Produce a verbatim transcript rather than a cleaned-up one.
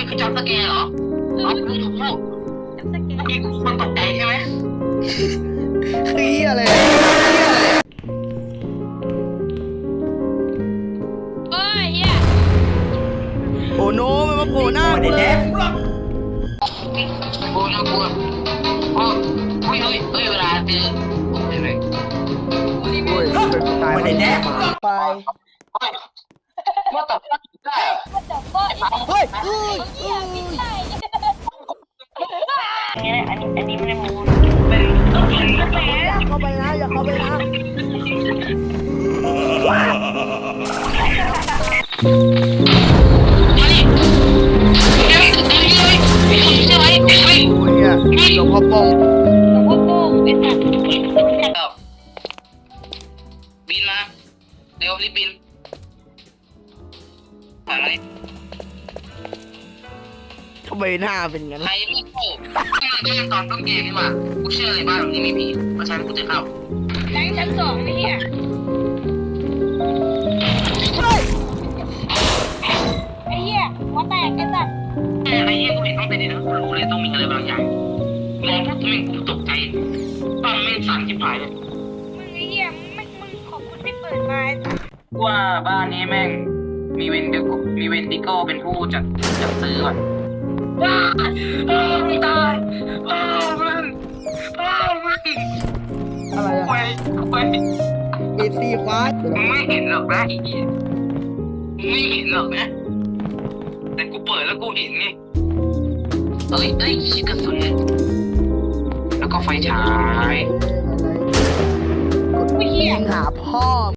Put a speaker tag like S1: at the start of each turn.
S1: คือจับสแกร์เหรออ๋อกูถูกเมื่อกี้กูมันตกใจใช่ไหม
S2: คืออะไร
S3: เฮ้ยเฮีย
S2: โอ้โนมันมาโผล่หน้า
S4: ไม่
S2: กู
S4: ได้
S2: เล
S4: แด
S2: ย
S4: กกูหรอก
S1: กูน่ากลัวอ๋อเฮ้ยเฮ้ยเฮ้ยเวลาเจอโอ้ยเลย
S2: โอ้ยเป็นตาย
S4: ไม่ได้แดก
S2: หมาไป
S1: ว่าแต่ได้
S3: มันจับก้อน
S2: เฮ้ยเฮ้ย
S3: เฮียไม่ใช่
S1: อันนี้อันนี้ไม่ได้มูน
S2: อย่าเข้าไปนะอย่าเข้าไปนะ
S1: มาดิเดี๋ยวเดี๋ยวเฮ้ยใช่ไหมเฮ้ย
S2: โอ้ยเนี่ยหลวงพ่อปง
S3: หลวงพ่อโป้งไอ้สัตว์
S1: บินมาเร็วรีบบินผ่านอะไร
S2: ทำไมหน้าเป็นงั้น
S1: ใครไม่เข้าก็ยังตอนต้นเกมนี่มากูเชื่อเลยบ้านหลังนี้มีผีเพราะฉะนั้นกูจะเข้า
S3: แรงชั้นสองไอ้เฮียไอ้เฮียหัวแตกไอ้สัตว์
S1: อะไรเงี้ยกูเห็นต้องเป็นนี่นะกูรู้เลยต้องมีอะไรบางอย่างมองปุ๊บแม่งกูตกใจปั้งแม่งสั่นชิบหายเลย
S3: มึงไอ้เฮียมึงไม่มึงขอบคุณที่เปิดมาไอ้สัตว์
S1: ว่าบ้านนี้แม่งมีเวนดิโกมีเวนดิโกเป็นผู้จัดจัดซื้อก่อนว้าโอ้ยตายโอ้มันโอ้มัน
S2: อะไร
S1: ไป
S2: อะ
S1: ไป
S2: เอซีควา
S1: มึงไม่เห็นหรอกนะไอ้เหี้ยมึงไม่เห็นหรอกนะแต่กูเปิดแล้วกูเห็นไงเอ้ยเอ้ยชิคกระสุนแล้วก็ไฟฉาย
S2: กดยิงหาพ่อ